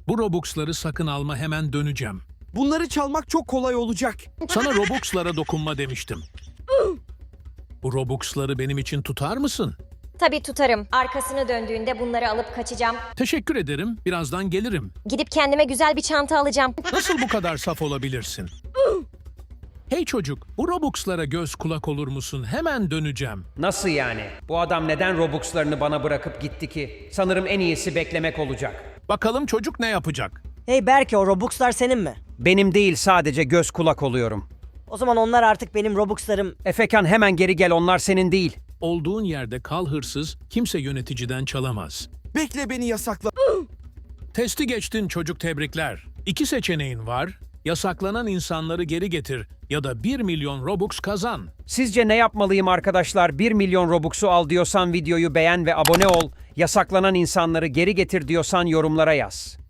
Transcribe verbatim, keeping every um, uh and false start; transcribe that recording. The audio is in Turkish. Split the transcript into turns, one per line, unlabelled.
Bu Robux'ları sakın alma, hemen döneceğim.
Bunları çalmak çok kolay olacak.
Sana Robux'lara dokunma demiştim. Bu Robux'ları benim için tutar mısın?
Tabii tutarım. Arkasını döndüğünde bunları alıp kaçacağım.
Teşekkür ederim. Birazdan gelirim.
Gidip kendime güzel bir çanta alacağım.
Nasıl bu kadar saf olabilirsin? Hey çocuk, bu Robux'lara göz kulak olur musun? Hemen döneceğim.
Nasıl yani? Bu adam neden Robux'larını bana bırakıp gitti ki? Sanırım en iyisi beklemek olacak.
Bakalım çocuk ne yapacak?
Hey Berke, o Robux'lar senin mi?
Benim değil, sadece göz kulak oluyorum.
O zaman onlar artık benim Robux'larım.
Efekan, hemen geri gel, onlar senin değil.
Olduğun yerde kal hırsız, kimse yöneticiden çalamaz.
Bekle, beni yasakla.
Testi geçtin çocuk, tebrikler. İki seçeneğin var. Yasaklanan insanları geri getir ya da bir milyon Robux kazan.
Sizce ne yapmalıyım arkadaşlar? bir milyon Robux'u al diyorsan videoyu beğen ve abone ol. Yasaklanan insanları geri getir diyorsan yorumlara yaz.